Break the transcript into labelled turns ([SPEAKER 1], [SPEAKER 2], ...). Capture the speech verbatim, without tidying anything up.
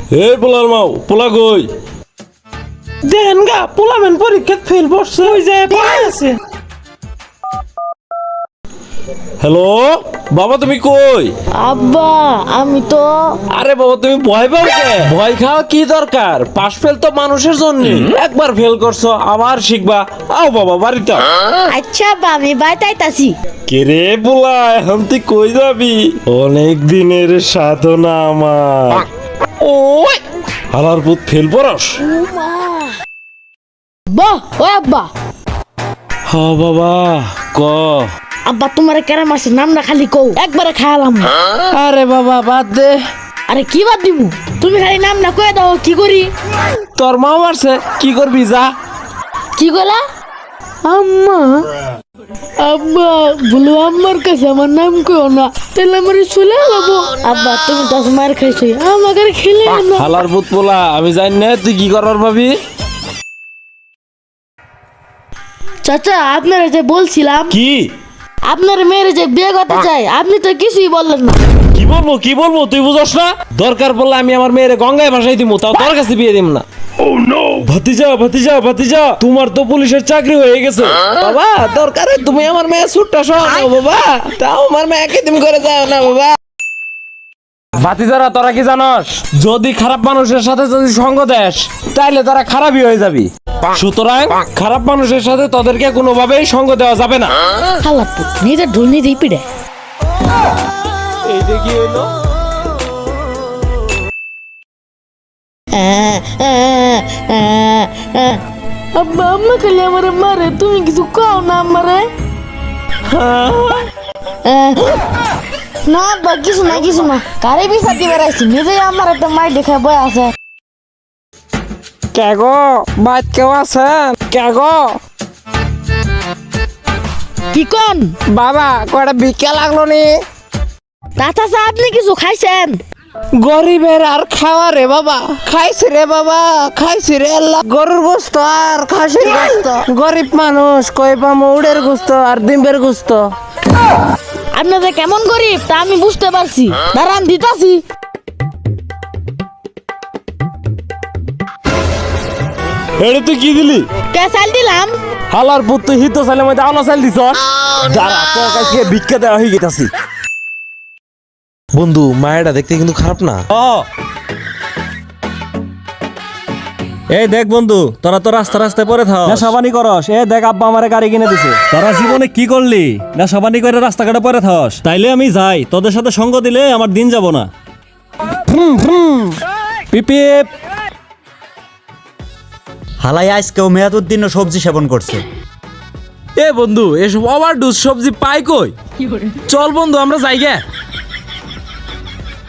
[SPEAKER 1] এই পোলার মাও পোলা কই
[SPEAKER 2] দেন গা পোলামেন পরীক্ষা ফেল পড়ছে ওই যে পড়ে আছে।
[SPEAKER 1] হ্যালো বাবা তুমি কই?
[SPEAKER 3] আব্বা আমি তো
[SPEAKER 1] আরে বাবা তুমি ভয় পাও কে? ভয় খাওয়া কি দরকার? পাশ ফেল তো মানুষের জন্য। একবার ফেল করছো আবার শিখবা। আও বাবা বাড়িতে আও।
[SPEAKER 3] আচ্ছা আব্বা আমি বাড়িতে আইতাছি।
[SPEAKER 1] কে রে পোলা এখন তুই কই যাবি? অনেক দিনের সাধনা আমার। ওই হালার পুত ফেল পড়স।
[SPEAKER 3] বাহ ও আব্বা
[SPEAKER 1] হ বাবা ক।
[SPEAKER 3] আব্বা তোমার কেরা মাসের নামটা খালি কও একবারে খায়ালাম।
[SPEAKER 2] আরে বাবা বাদ দে,
[SPEAKER 3] আরে কি বাদ দিমু তুমি খালি নামটা কয়ে দাও কি করি।
[SPEAKER 2] তোর মা মারছে কি করবি যা।
[SPEAKER 3] কি কইলা? আম্মা আব্বা বলো আম্মার কাছে আমার নাম কইও না তাহলে আমার চলে যাবো। আব্বা তুমি দশ মার খাইছো আমাকে আর খেলে না।
[SPEAKER 1] হালার পুত পোলা আমি জানি না তুই কি করার ভাবি।
[SPEAKER 3] চাচা আপনারা যে বলছিলাম
[SPEAKER 1] কি
[SPEAKER 3] আপনার মেয়ের যে বিয়ে করতে চাই আপনি তো কিছুই বললেন না।
[SPEAKER 1] কি বলবো কি বলবো তুই বুঝছ না? দরকার পড়লে আমি আমার মেয়ের গঙ্গায় ভাসাই দিব, তাও তোর কাছে বিয়ে দিব না। ভাতিজা ভাতিজা ভাতিজা তোমার তো পুলিশের চাকরি হয়ে গেছে। বাবা দরকারে তুমি আমার মেয়ে ছুটটা সহ নাও বাবা, তাও আমার মেয়েকে তুমি করে যাও না বাবা। ভাতিজারা তোরা কি জানস, যদি খারাপ মানুষের সাথে যদি সঙ্গ দেস তাইলে তারা খারাপই হয়ে যাবি। সুতরাং খারাপ মানুষের সাথে তোদেরকে কোনোভাবেই সঙ্গ দেওয়া যাবে না।
[SPEAKER 3] খালাপ্পু নিজের ঢোল নিজেই পিড়ে।
[SPEAKER 1] এইটা কি হইলো?
[SPEAKER 3] আব্বা আম্মা খালি আমার মারে তুমি কিছু কও না আমারে। না আব্বা কিছু না কিছু না কারে বিচার দিবে রাখছি নিজেই আমার একটা মাই দেখে বই আছে।
[SPEAKER 2] কে গো বাইত কেউ আছেন? কে গো
[SPEAKER 3] কি কোন
[SPEAKER 2] বাবা কয়টা ভিক্ষা লাগলো নি?
[SPEAKER 3] তাতা আপনি কিছু খাইছেন?
[SPEAKER 2] গরিবের আর খাওয়া রে বাবা, খাইছি রে বাবা খাইছি রে আল্লাহ। গরুর গোস্ত আর খাসির গোস্ত, গরিব মানুষ কই পামু উড়ের গোস্ত আর ডিমের গোস্ত।
[SPEAKER 3] আপনাদের কেমন গরিব তা আমি বুঝতে পারছি, দাঁড়ান দিতাছি।
[SPEAKER 1] এটা তুই কি দিলি?
[SPEAKER 3] কে চাল দিলাম?
[SPEAKER 1] হালার পুত তুই হিত চাইলে মধ্যে আলো চাল দিছ। দাঁড়া তোর কাছে ভিক্ষা দেওয়া হয়ে গেছে।
[SPEAKER 4] বন্ধু মায়েরা দেখতে কিন্তু খারাপ না।
[SPEAKER 5] এই দেখ বন্ধু তোরা তো রাস্তা রাস্তায় পরে থাও নেশাবানি করস। এ দেখ আব্বা আমারে গাড়ি কিনে দিছে। তোরা জীবনে কি করলি? নেশাবানি করে রাস্তাঘাটে পরে থাস। তাইলে আমি যাই, তোদের সাথে সঙ্গ দিলে আমার দিন যাব না। পিপিপ
[SPEAKER 6] হালাই আজকেও মেয়াদুদ্দিন সবজি সেবন করছে।
[SPEAKER 1] এ বন্ধু এসব ওভারডোজ সবজি পাই কই? চল বন্ধু আমরা যাই গে।